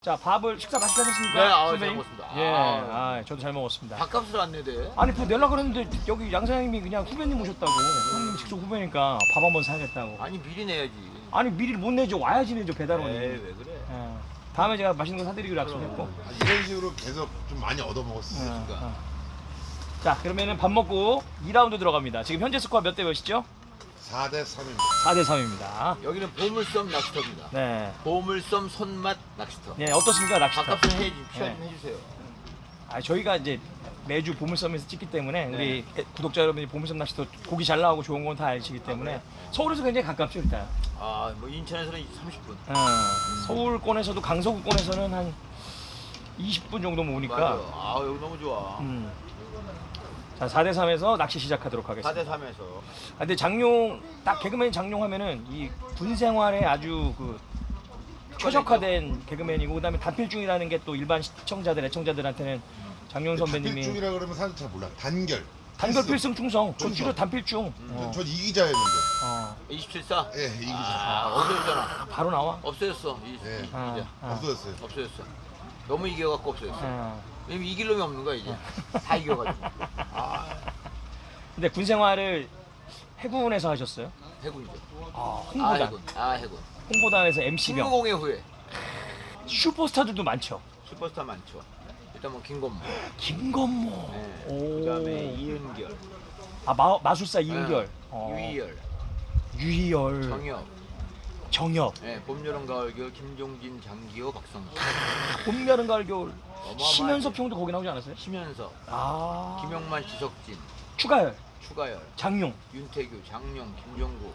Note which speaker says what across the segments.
Speaker 1: 자, 밥을 식사 맛있게 하셨습니까?
Speaker 2: 네, 잘
Speaker 1: 선배님?
Speaker 2: 먹었습니다.
Speaker 1: 예, 저도 잘 먹었습니다.
Speaker 2: 밥값을 안 내대.
Speaker 1: 아니, 그 내려고 그랬는데 여기 양 사장님이 그냥 후배님 오셨다고. 형님이 직접 후배니까 밥 한번 사야겠다고.
Speaker 2: 아니 미리 내야지.
Speaker 1: 아니, 미리 못 내죠. 와야지 내죠, 배달원이.
Speaker 2: 에이, 왜 그래?
Speaker 1: 예. 다음에 제가 맛있는 거 사드리기로 약속했고.
Speaker 3: 이런 식으로 계속 좀 많이 얻어먹었으니까.
Speaker 1: 자, 그러면은 밥 먹고 2라운드 들어갑니다. 지금 현재 스코어 몇 대 몇이죠?
Speaker 3: 4대 3입니다.
Speaker 1: 4대 3입니다.
Speaker 2: 여기는 보물섬 낚시터입니다.
Speaker 1: 네.
Speaker 2: 보물섬 손맛 낚시터.
Speaker 1: 네, 어떻습니까, 낚시터?
Speaker 2: 밥값을 좀
Speaker 1: 네.
Speaker 2: 해주세요.
Speaker 1: 아, 저희가 이제 매주 보물섬에서 찍기 때문에 우리 구독자 여러분이 보물섬 낚시터 고기 잘 나오고 좋은 건 다 아시기 때문에 서울에서 굉장히 가깝죠, 일단.
Speaker 2: 아, 뭐 인천에서는 30분.
Speaker 1: 서울권에서도 강서구권에서는 한 20분 정도면 오니까.
Speaker 2: 맞아. 아, 여기 너무 좋아.
Speaker 1: 자, 4대 3에서 낚시 시작하도록 하겠습니다.
Speaker 2: 4대 3에서.
Speaker 1: 아, 근데 장룡 딱 개그맨 장룡 하면은 이 군 생활에 아주 그 최적화된 개그맨이고 그다음에 단필중이라는 게 또 일반 시청자들 애청자들한테는 장룡 선배님이
Speaker 3: 단필중이라 그러면 사실 잘 몰라. 단결.
Speaker 1: 단결 필승 충성. 저
Speaker 3: 충성.
Speaker 1: 주로 단필중.
Speaker 3: 전 이기자였는데.
Speaker 2: 27사?
Speaker 3: 예, 이기자.
Speaker 2: 아, 없어졌잖아.
Speaker 1: 바로 나와.
Speaker 2: 없어졌어.
Speaker 3: 예.
Speaker 2: 이제.
Speaker 3: 없어졌어요.
Speaker 2: 없어졌어. 너무 이겨갖고 없어졌어.
Speaker 1: 어.
Speaker 2: 왜냐면 이길 놈이 없는 거야, 이제. 다 이겨가지고. 아,
Speaker 1: 근데 군 생활을 해군에서 하셨어요?
Speaker 2: 해군이죠.
Speaker 1: 홍보단.
Speaker 2: 해군. 해군.
Speaker 1: 홍보단에서 MC병.
Speaker 2: 승무공의 후예.
Speaker 1: 슈퍼스타들도 많죠.
Speaker 2: 슈퍼스타 많죠. 일단 뭐 김건모.
Speaker 1: 김건모.
Speaker 2: 네.
Speaker 1: 오.
Speaker 2: 그다음에 이은결.
Speaker 1: 마술사 이은결.
Speaker 2: 네. 유희열.
Speaker 1: 유희열.
Speaker 2: 정엽.
Speaker 1: 정엽.
Speaker 2: 네, 봄, 여름, 가을, 겨울, 김종진, 장기호, 박성수.
Speaker 1: 봄, 여름, 가을, 겨울.
Speaker 2: 어마어마하지.
Speaker 1: 심연섭 형도 거기 나오지 않았어요?
Speaker 2: 심연섭.
Speaker 1: 아.
Speaker 2: 김영만, 지석진.
Speaker 1: 추가열.
Speaker 2: 추가열.
Speaker 1: 장용.
Speaker 2: 윤태규, 장룡, 김종국.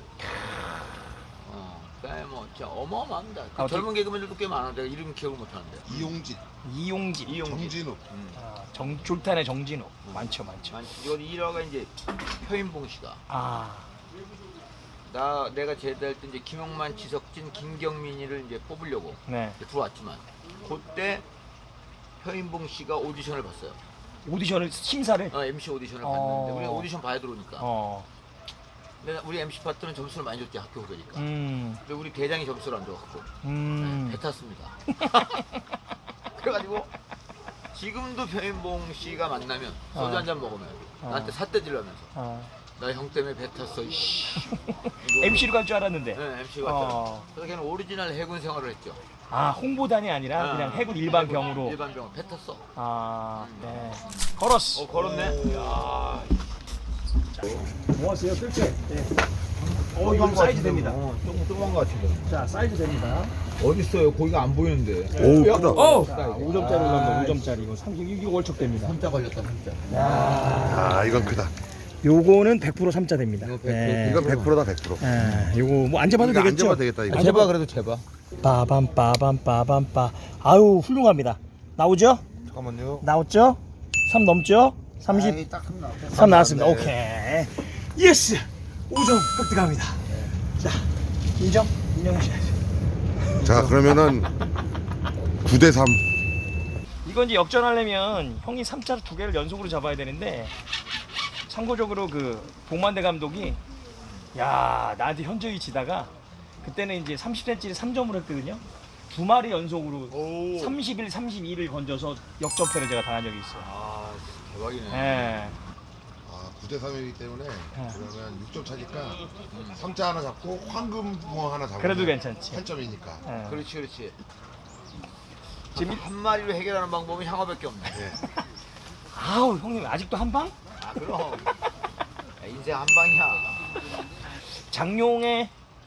Speaker 2: 그다음에 뭐 진짜 어마어마합니다. 그
Speaker 1: 아,
Speaker 2: 젊은 개그맨들도 꽤 많은데 이름 기억을 못 하는데.
Speaker 3: 이용진,
Speaker 1: 이용진.
Speaker 3: 정진욱.
Speaker 1: 졸탄의 정진호. 많죠.
Speaker 2: 이건 1화가 이제 표인봉 씨가. 내가 제대할 때 이제 김영만, 지석진, 김경민이를 이제 뽑으려고
Speaker 1: 네.
Speaker 2: 이제 들어왔지만 그때 표인봉 씨가 오디션을 봤어요.
Speaker 1: 오디션을 심사를.
Speaker 2: MC 오디션을 봤는데 우리가 오디션 봐야 들어오니까. 근데 우리 MC 파트는 점수를 많이 줬지 학교 후배니까. 근데 우리 대장이 점수를 안 줘갖고 배 탔습니다. 그래가지고 지금도 표인봉 씨가 만나면 소주 한 잔 먹으면 나한테 삿대질러면서 나 형 때문에 배 탔어.
Speaker 1: MC로 갈 줄 알았는데.
Speaker 2: 네, MC가 왔잖아. 그래서 걔는 오리지널 해군 생활을 했죠.
Speaker 1: 홍보단이 아니라 그냥 해군 일반 병으로.
Speaker 2: 일반 병으로 배 탔어.
Speaker 1: 네. 걸었어.
Speaker 2: 걸었네. 야.
Speaker 1: 모았어요, 뜰채. 네. 이건 사이즈 됩니다.
Speaker 4: 조그만 거 같은데.
Speaker 1: 자, 사이즈 됩니다.
Speaker 4: 어딨어요? 고기가 안 보이는데.
Speaker 3: 오, 크다.
Speaker 1: 5점짜리 올라갑니다. 5점짜리 이거 3, 이거 월척됩니다.
Speaker 4: 3자 걸렸다, 3자.
Speaker 3: 아, 이건 크다.
Speaker 1: 요거는 100% 3자 됩니다.
Speaker 4: 이거 100%.
Speaker 1: 네.
Speaker 3: 이건 100%다, 100%.
Speaker 1: 요거 뭐 안 잡아도
Speaker 3: 이거 안
Speaker 1: 되겠죠?
Speaker 3: 잡아도 되겠다, 이거.
Speaker 4: 제발 그래도 제발.
Speaker 1: 빠밤. 아유, 훌륭합니다. 나오죠?
Speaker 3: 잠깐만요.
Speaker 1: 나왔죠? 3 넘죠? 30.
Speaker 4: 아이, 딱
Speaker 1: 3 나왔습니다.
Speaker 3: 네.
Speaker 1: 오케이. 예스! 5점 획득합니다. 자, 인정하셔야죠.
Speaker 3: 자, 그러면은 9대 3.
Speaker 1: 이건 이제 역전하려면 형이 3자를 2개를 연속으로 잡아야 되는데 참고적으로 그 복만대 감독이 나한테 현저히 지다가 그때는 이제 30cm를 3점으로 했거든요. 2마리 연속으로 31, 32를 건져서 역전패를 제가 당한 적이 있어요.
Speaker 2: 대박이네.
Speaker 1: 네.
Speaker 3: 9대 3이기 때문에 그러면 6점 차니까 3자 하나 잡고 황금붕어 하나 잡으면
Speaker 1: 그래도 괜찮지.
Speaker 3: 8점이니까.
Speaker 1: 네.
Speaker 2: 그렇지.
Speaker 1: 지금
Speaker 2: 한 마리로 해결하는 방법은 향어밖에 없네.
Speaker 1: 아우, 형님 아직도 한 방?
Speaker 2: 그럼. 야, 인생 한 방이야.
Speaker 1: 장룡의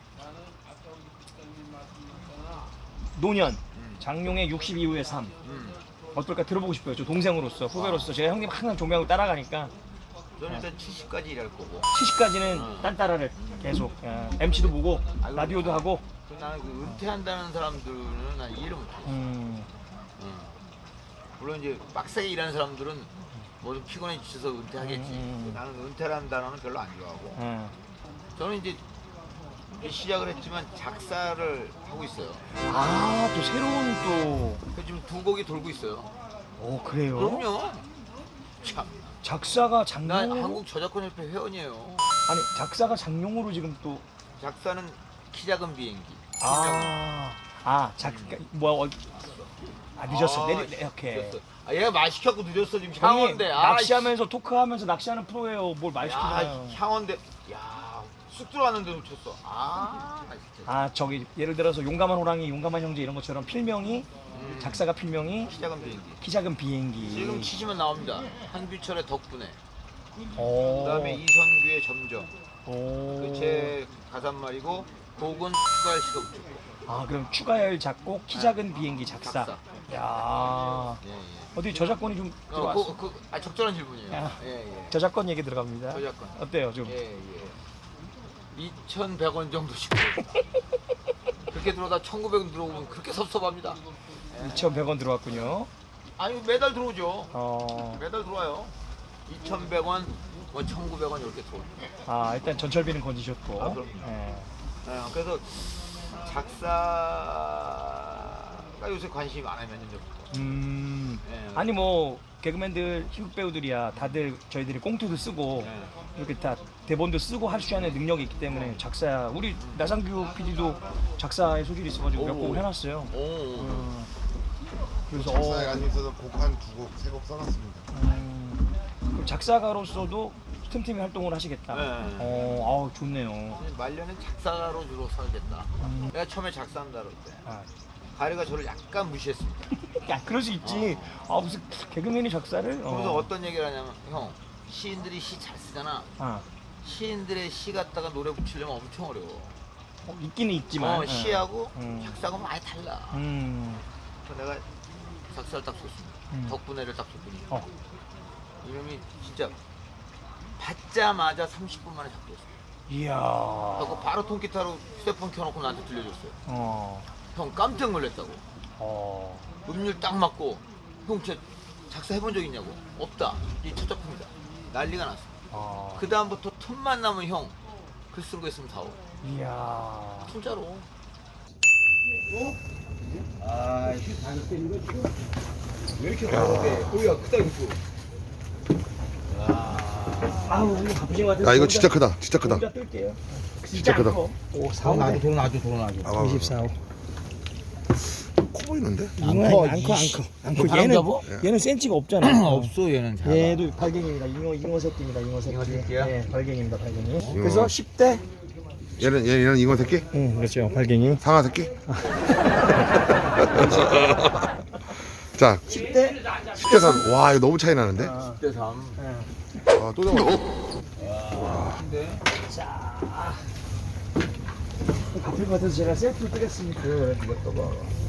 Speaker 1: 노년. 장룡의 60 이후의 삶. 어떨까 들어보고 싶어요. 저 동생으로서, 후배로서. 제가 형님 항상 존경하고 따라가니까
Speaker 2: 저는 일단 70까지 일할 거고.
Speaker 1: 70까지는 딴따라를 계속 MC도 보고 라디오도 하고.
Speaker 2: 나는 그 은퇴한다는 사람들은 난 이해를 못해. 물론 이제 빡세게 일하는 사람들은 뭐 좀 피곤해 지쳐서 은퇴하겠지. 나는 은퇴라는 단어는 별로 안 좋아하고. 저는 이제 시작을 했지만 작사를 하고 있어요.
Speaker 1: 또 새로운 또.
Speaker 2: 그래서 지금 2곡이 돌고 있어요.
Speaker 1: 그래요?
Speaker 2: 그럼요. 참.
Speaker 1: 작사가
Speaker 2: 난
Speaker 1: 장룡으로?
Speaker 2: 한국 저작권협회 회원이에요.
Speaker 1: 아니, 작사가 장룡으로 지금 또.
Speaker 2: 작사는 키 작은 비행기.
Speaker 1: 아 늦었어.
Speaker 2: 아,
Speaker 1: 오케이.
Speaker 2: 늦었어. 아, 얘가 말 시켰고 늦었어 지금
Speaker 1: 형님
Speaker 2: 향원대.
Speaker 1: 낚시하면서 토크하면서 낚시하는 프로예요. 뭘 말
Speaker 2: 야,
Speaker 1: 시키나요?
Speaker 2: 향원대. 야, 쑥 들어왔는데 놓쳤어. 나 진짜.
Speaker 1: 아 저기 예를 들어서 용감한 호랑이, 용감한 형제 이런 것처럼 필명이 작사가 필명이
Speaker 2: 시작은 비행기.
Speaker 1: 키 작은 비행기.
Speaker 2: 지금 치시면 나옵니다. 한규철의 덕분에.
Speaker 1: 오.
Speaker 2: 그다음에 이선규의 점점.
Speaker 1: 오.
Speaker 2: 그제 가사말이고 곡은 추가할 시가 없죠.
Speaker 1: 아 그럼 추가열 작곡 키 작은 비행기 작사.
Speaker 2: 작사.
Speaker 1: 야
Speaker 2: 예, 예.
Speaker 1: 어디 저작권이 좀 들어왔어?
Speaker 2: 적절한 질문이에요.
Speaker 1: 야.
Speaker 2: 예, 예.
Speaker 1: 저작권 얘기 들어갑니다.
Speaker 2: 저작권.
Speaker 1: 어때요 좀?
Speaker 2: 예, 예. 2,100원 정도씩 그렇게 들어오다 1,900원 들어오면 그렇게 섭섭합니다.
Speaker 1: 2,100원 들어왔군요.
Speaker 2: 아니 매달 들어오죠.
Speaker 1: 어.
Speaker 2: 매달 들어와요. 2,100원, 뭐 1,900원 이렇게 들어옵니다.
Speaker 1: 아 일단 전철비는 건지셨고.
Speaker 2: 아, 그럼요.
Speaker 1: 예.
Speaker 2: 그래서 작사가 요새 관심이 많아요. 몇 년 전부터. 예.
Speaker 1: 아니 뭐 개그맨들 희극 배우들이야 다들 저희들이 꽁트도 쓰고
Speaker 2: 예.
Speaker 1: 이렇게 다 대본도 쓰고 할 수 있는 능력이 있기 때문에 작사 우리 나상규 PD도 작사에 소질이 있어가지고 몇
Speaker 2: 오.
Speaker 1: 곡을 해놨어요.
Speaker 2: 오.
Speaker 1: 그래서
Speaker 3: 작사에 관심 있어서 곡 한 2곡, 3곡 써놨습니다.
Speaker 1: 그럼 작사가로서도 틈틈이 활동을 하시겠다.
Speaker 2: 네.
Speaker 1: 아우 좋네요.
Speaker 2: 말년엔 작사가로 주로 살겠다. 내가 처음에 작사한다 그럴 때
Speaker 1: 아,
Speaker 2: 가리가 저를 약간 무시했습니다.
Speaker 1: 야 그럴 수 있지. 아 무슨 개그맨이 작사를?
Speaker 2: 그래서 어떤 얘기를 하냐면 형 시인들이 시 잘 쓰잖아.
Speaker 1: 아,
Speaker 2: 시인들의 시 갖다가 노래 붙이려면 엄청 어려워.
Speaker 1: 있기는 있지만.
Speaker 2: 시하고
Speaker 1: 음.
Speaker 2: 작사하고 많이 달라. 그래서 내가 작사를 딱 썼습니다. 덕분에를 딱 썼더니 이놈이 진짜 받자마자 30분 만에 작곡했어요.
Speaker 1: 이야.
Speaker 2: 그래서 바로 통기타로 휴대폰 켜놓고 나한테 들려줬어요. 형 깜짝 놀랐다고. 음률 딱 맞고 형 진짜 작사해본 적 있냐고. 없다. 이 첫 작품이다. 난리가 났어. 그 다음부터 틈만 나면 형 글 쓴 거 있으면 사오.
Speaker 1: 이야.
Speaker 2: 진짜로.
Speaker 4: 왜 이렇게 다르대? 고기가 크다 이거.
Speaker 1: 아우 우리 바쁘신 것 같아서.
Speaker 3: 야 이거 진짜 크다. 진짜 크다.
Speaker 1: 혼자 뜰게요.
Speaker 3: 진짜 크다.
Speaker 1: 오,
Speaker 4: 돈
Speaker 1: 4호.
Speaker 4: 놔줘, 돈 놔줘, 돈 놔줘.
Speaker 1: 24호.
Speaker 3: 커 보이는데?
Speaker 4: 커,
Speaker 1: 안커.
Speaker 4: 바람 잡어?
Speaker 1: 얘는 센치가 없잖아.
Speaker 4: 없어 얘는 잘.
Speaker 1: 얘도 발갱입니다. 잉어 새끼입니다. 잉어 새끼.
Speaker 2: 잉어 새끼야?
Speaker 1: 네, 발갱입니다. 발갱이. 그래서 10대.
Speaker 3: 얘는 잉어 새끼?
Speaker 1: 응, 그렇죠. 발갱이.
Speaker 3: 상아 새끼? 자,
Speaker 1: 10대.
Speaker 3: 10대 3. 와 이거 너무 차이 나는데?
Speaker 2: 10대 3.
Speaker 3: 아, 또 잡았어.
Speaker 1: 자. 바쁠 것 같아서 제가 셀프를 뜨겠습니다.
Speaker 4: 이거 봐.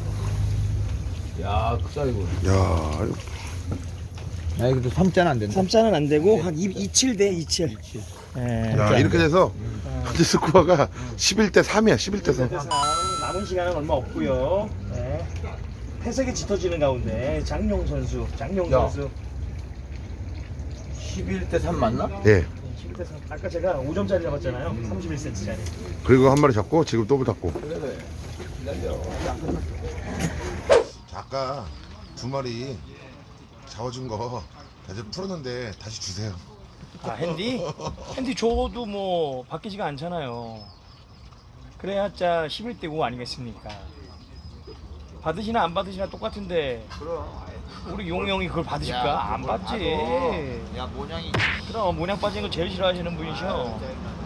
Speaker 4: 야 크다 이거.
Speaker 3: 야,
Speaker 4: 야 이거 3자는 안 된다.
Speaker 1: 3자는 안 되고 한 27 대 27. 예.
Speaker 3: 야 이렇게 돼서 현재 스코어가 11대 3이야. 11대 3.
Speaker 1: 남은 시간은 얼마 없고요. 네. 회색이 짙어지는 가운데 장용 선수.
Speaker 2: 11대 3 맞나?
Speaker 3: 예.
Speaker 1: 11대 3. 아까 제가 5점짜리 잡았잖아요. 31cm짜리.
Speaker 3: 그리고 한 마리 잡고 지금 또 잡고.
Speaker 2: 그래.
Speaker 3: 자, 아까 2마리 잡아준 거 이제 풀었는데 다시 주세요.
Speaker 1: 아 핸디? 핸디 줘도 뭐 바뀌지가 않잖아요. 그래야자 11대 5 아니겠습니까? 받으시나 안 받으시나 똑같은데
Speaker 2: 그럼.
Speaker 1: 우리 용이 형이 그걸 받으실까? 안
Speaker 2: 그걸
Speaker 1: 받지.
Speaker 2: 받아. 야 모양이.
Speaker 1: 그럼 모냥 빠진 거 제일 싫어하시는 분이셔.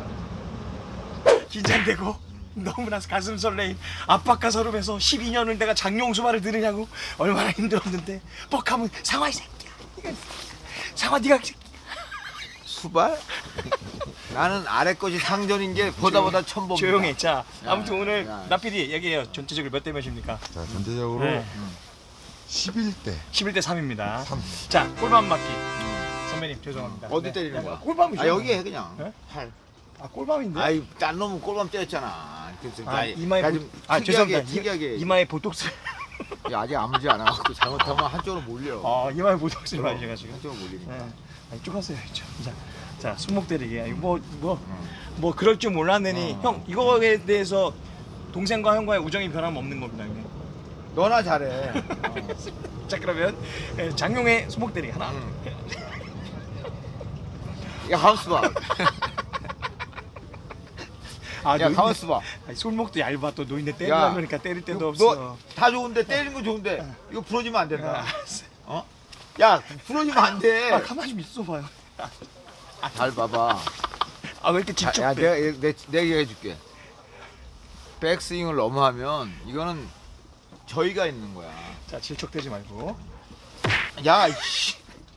Speaker 1: 긴장되고 너무나 가슴 설레임 압박과 서름에서 12년을 내가 장용수 말을 들으냐고 얼마나 힘들었는데 뻑하면 상화 이 새끼야. 상화 네가 이 새끼야.
Speaker 2: 수발? 나는 아래 것이 상전인 게 보다 처음 봅니다.
Speaker 1: 조용히. 자 아무튼 오늘
Speaker 2: 야.
Speaker 1: 나PD 얘기해요. 전체적으로 몇 대 몇입니까?
Speaker 3: 자, 전체적으로
Speaker 1: 네.
Speaker 3: 11대
Speaker 1: 11대 3입니다. 자 꼴밤 맞기. 선배님 죄송합니다.
Speaker 2: 어디 때리는 거야?
Speaker 1: 꼴밤이죠.
Speaker 2: 아 여기 해 그냥.
Speaker 1: 네?
Speaker 2: 팔.
Speaker 1: 아 꼴밤인데?
Speaker 2: 아이 딴 놈은 꼴밤 때렸잖아. 그래서
Speaker 1: 아, 이마에
Speaker 2: 야,
Speaker 1: 보...
Speaker 2: 좀
Speaker 1: 아 죄송합니다.
Speaker 2: 특이하게.
Speaker 1: 이마에 보톡스.
Speaker 2: 야, 아직 아무지 않아갖고 잘못하면 한쪽으로 몰려.
Speaker 1: 아 이마에 보톡스 맞으셔가지고.
Speaker 2: 한쪽으로 몰리니까.
Speaker 1: 네. 아니, 좁았어요. 자 손목 때리기. 뭐 그럴 줄 몰랐느니 형 이거에 대해서 동생과 형과의 우정이 변함 없는 겁니다. 형님.
Speaker 2: 너나 잘해.
Speaker 1: 자 그러면 장용의 손목 때리기 하나.
Speaker 2: 야 하우스 봐.
Speaker 1: 아,
Speaker 2: 야 가만 있어봐.
Speaker 1: 아니, 손목도 얇아. 또 노인네
Speaker 2: 야,
Speaker 1: 때리려 그러니까 때릴 데도 없어.
Speaker 2: 너다 좋은데 때리는 거 좋은데 이거 부러지면 안 된다. 어? 야 부러지면 안 돼.
Speaker 1: 아, 가만히 좀 있어봐요.
Speaker 2: 잘 봐봐.
Speaker 1: 아, 왜 이렇게 직접
Speaker 2: 야
Speaker 1: 빼?
Speaker 2: 내가 얘기해줄게. 백스윙을 너무 하면 이거는 저희가 있는 거야.
Speaker 1: 자, 질척대지 말고.
Speaker 2: 야 이씨.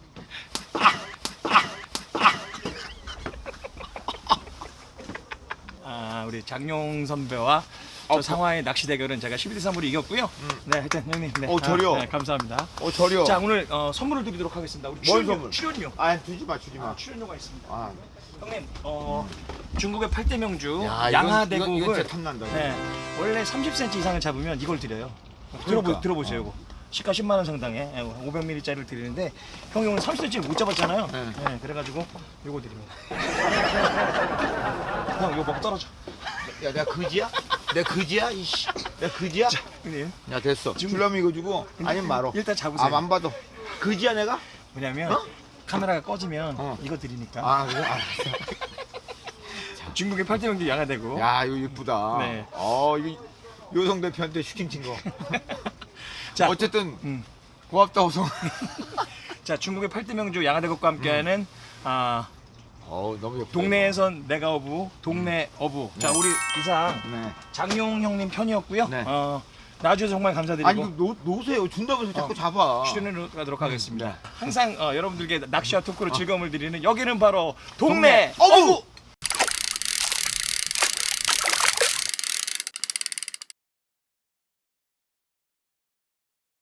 Speaker 1: 아, 우리 장용 선배와 저 상화의 낚시 대결은 제가 11대 3으로 이겼고요. 네, 하여튼 형님. 네.
Speaker 2: 저려.
Speaker 1: 네, 감사합니다.
Speaker 2: 저려.
Speaker 1: 자, 오늘 선물을 드리도록 하겠습니다. 우리
Speaker 2: 뭔
Speaker 1: 출연료,
Speaker 2: 선물?
Speaker 1: 출연료.
Speaker 2: 아 주지 마.
Speaker 1: 출연료가 있습니다.
Speaker 2: 아,
Speaker 1: 형님, 중국의 8대 명주
Speaker 2: 야,
Speaker 1: 양하대국을
Speaker 2: 이건 진짜 탐난다.
Speaker 1: 네, 원래 30cm 이상을 잡으면 이걸 드려요.
Speaker 2: 그러니까.
Speaker 1: 들어보세요, 이거. 시가 10만 원 상당의 500ml짜리를 드리는데 형이 오늘 30cm 못 잡았잖아요.
Speaker 2: 네.
Speaker 1: 네, 그래가지고 이거 드립니다. 형, 이거 먹 떨어져.
Speaker 2: 야 내가 그지야? 내가 그지야? 이씨. 내가 그지야?
Speaker 1: 형님,
Speaker 2: 야 됐어. 줄라면 이거 주고 아니면 말어.
Speaker 1: 일단 잡으세요.
Speaker 2: 안 받아. 그지야 내가?
Speaker 1: 왜냐면
Speaker 2: 어?
Speaker 1: 카메라가 꺼지면
Speaker 2: 어.
Speaker 1: 이거 드리니까.
Speaker 2: 아 그래? 알았어.
Speaker 1: 중국의 8대 명주 양하대국.
Speaker 2: 야 이거 이쁘다.
Speaker 1: 네.
Speaker 2: 이거 요성 대표한테 슈팅 친 거.
Speaker 1: 자,
Speaker 2: 어쨌든
Speaker 1: 음.
Speaker 2: 고맙다 호성.
Speaker 1: 자, 중국의 8대 명주 양하대국과 함께하는
Speaker 2: 너무 예쁘다.
Speaker 1: 동네에선 내가 어부, 동네 어부. 자, 우리 이상
Speaker 2: 네.
Speaker 1: 장용 형님 편이었고요.
Speaker 2: 네.
Speaker 1: 나와주셔서 정말 감사드리고
Speaker 2: 아니 이거 놓으세요. 준다면서 자꾸 잡아.
Speaker 1: 출연을 가도록 하겠습니다.
Speaker 2: 네.
Speaker 1: 항상 여러분들께 낚시와 토크로 즐거움을 드리는 여기는 바로 동네
Speaker 2: 동네
Speaker 1: 어부!